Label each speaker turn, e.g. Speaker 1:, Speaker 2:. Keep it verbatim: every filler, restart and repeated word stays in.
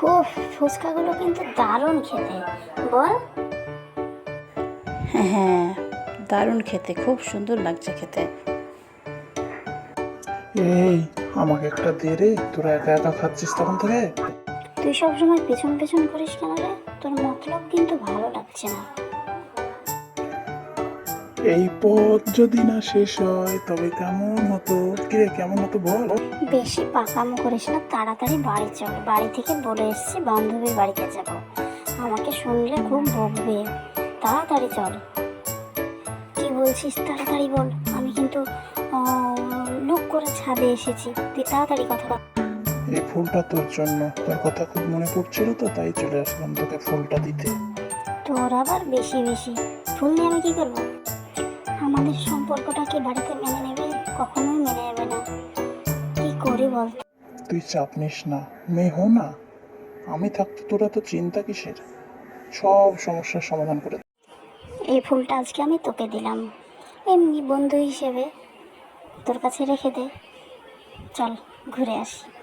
Speaker 1: উফ, ফুচকাগুলো কিন্তু দারুণ খেতে, বল।
Speaker 2: হ্যাঁ হ্যাঁ, দারুণ খেতে, খুব সুন্দর লাগছে খেতে।
Speaker 3: এই, আমাকে একটা দে রে, তোরা একা একা খাচ্ছিস তখন থেকে।
Speaker 1: তুই সবসময় পেছন পেছন করিস কেন রে? তোর মতলব কিন্তু ভালো লাগছে না।
Speaker 3: এই পথ যদি না শেষ হয় তবে কেমন হতো? কিরে, কেমন হতো বল?
Speaker 1: বেশি পাকামো করিস না, তাড়াতাড়ি বাড়ি চল। বাড়ি থেকে বলে এসেছি বান্ধবীর বাড়িতে যাব, আমাকে শুনলে খুব বকবে। তাড়াতাড়ি চল। কি বলছিস, তাড়াতাড়ি বল। আমি কিন্তু লুক করে ছাদে এসেছি, তুই তাড়াতাড়ি কথা বল।
Speaker 3: এই ফুলটা তোর জন্য, তোর কথা খুব মনে পড়ছিল তো তাই চলে আসলাম তোকে ফুলটা দিতে।
Speaker 1: তোর আবার বেশি বেশি ফুল নিয়ে আমি কি করবো? আমাদের সম্পর্কটা কি বাড়িতে মেনে নেবে? কখনোই মেনে নেবে না। কি করি বল?
Speaker 3: তুই চাপ নিস না, মেয়ে হো না। আমি থাকতে তোরা তো চিন্তা কিসের? সব সমস্যার সমাধান করে দেব।
Speaker 1: এই ফুলটা আজকে আমি তোকে দিলাম, এমনি বন্ধু হিসেবে তোর কাছে রেখে দে। চল ঘুরে আসি।